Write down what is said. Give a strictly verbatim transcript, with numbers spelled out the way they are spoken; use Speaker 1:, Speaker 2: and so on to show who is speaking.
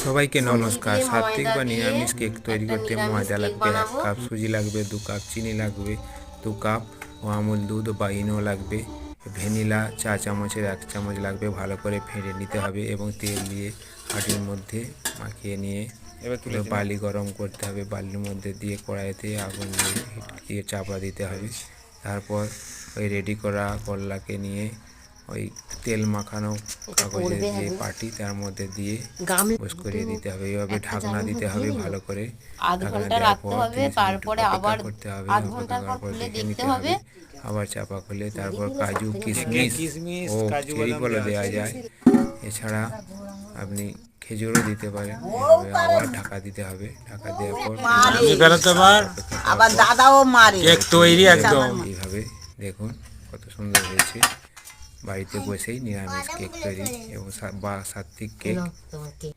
Speaker 1: সবাইকে নমস্কার।
Speaker 2: দিয়ে
Speaker 1: সাত্বিক
Speaker 2: ময়দা
Speaker 1: বা
Speaker 2: দিয়ে
Speaker 1: নিরামিষ কেক তৈরি
Speaker 2: একটা
Speaker 1: করতে
Speaker 2: নিরামিষ
Speaker 1: ময়দা
Speaker 2: কেক
Speaker 1: লাগবে এক
Speaker 2: বানাবো।
Speaker 1: কাপ, সুজি লাগবে দু কাপ, চিনি লাগবে দু কাপ ও আমুল দুধ বা ইনো লাগবে, ভ্যানিলা চা চামচের এক চামচ লাগবে। ভালো করে ফেটে নিতে হবে এবং তেল দিয়ে হাঁড়ির মধ্যে মাখিয়ে নিয়ে এবার তুলে বালি গরম করতে হবে। বালির মধ্যে দিয়ে কড়াইতে আগুন দিয়ে চাপা দিতে হবে। তারপর ওই রেডি করা করলাকে নিয়ে ওই তেল মাখানো কাগজের যে পাটি তার মধ্যে দিয়ে বস করিয়ে দিতে হবে। এইভাবে ঢাকনা দিতে হবে ভালো করে।
Speaker 2: আধ
Speaker 1: ঢাকনা
Speaker 2: ঘন্টা
Speaker 1: দেওয়ার
Speaker 2: রাখতে
Speaker 1: পর
Speaker 2: হবে,
Speaker 1: তিরিশ মিনিট
Speaker 2: তারপরে
Speaker 1: অপেক্ষা
Speaker 2: আবার
Speaker 1: করতে হবে।
Speaker 2: আধ
Speaker 1: অপেক্ষা
Speaker 2: ঘন্টার পর
Speaker 1: করার পর
Speaker 2: খুলে
Speaker 1: দেখে
Speaker 2: দেখতে
Speaker 1: নিতে
Speaker 2: হবে।
Speaker 1: হবে। আবার চাপা খুলে তারপর কাজু কিশমিশ ও চেরি ফলও দেওয়া যায়। এছাড়া আপনি খেজুরও দিতে পারেন। এভাবে আবার ঢাকা দিতে হবে। ঢাকা দেওয়ার পর
Speaker 3: আমি বেরোতে পার
Speaker 1: আবার
Speaker 3: দাদাও মারে
Speaker 1: কেক তৈরি একদম। এইভাবে দেখুন কত সুন্দর হয়েছে। বাড়িতে বসেই নিরামিষ কেক তৈরি এবং বা সাত্বিক কেক।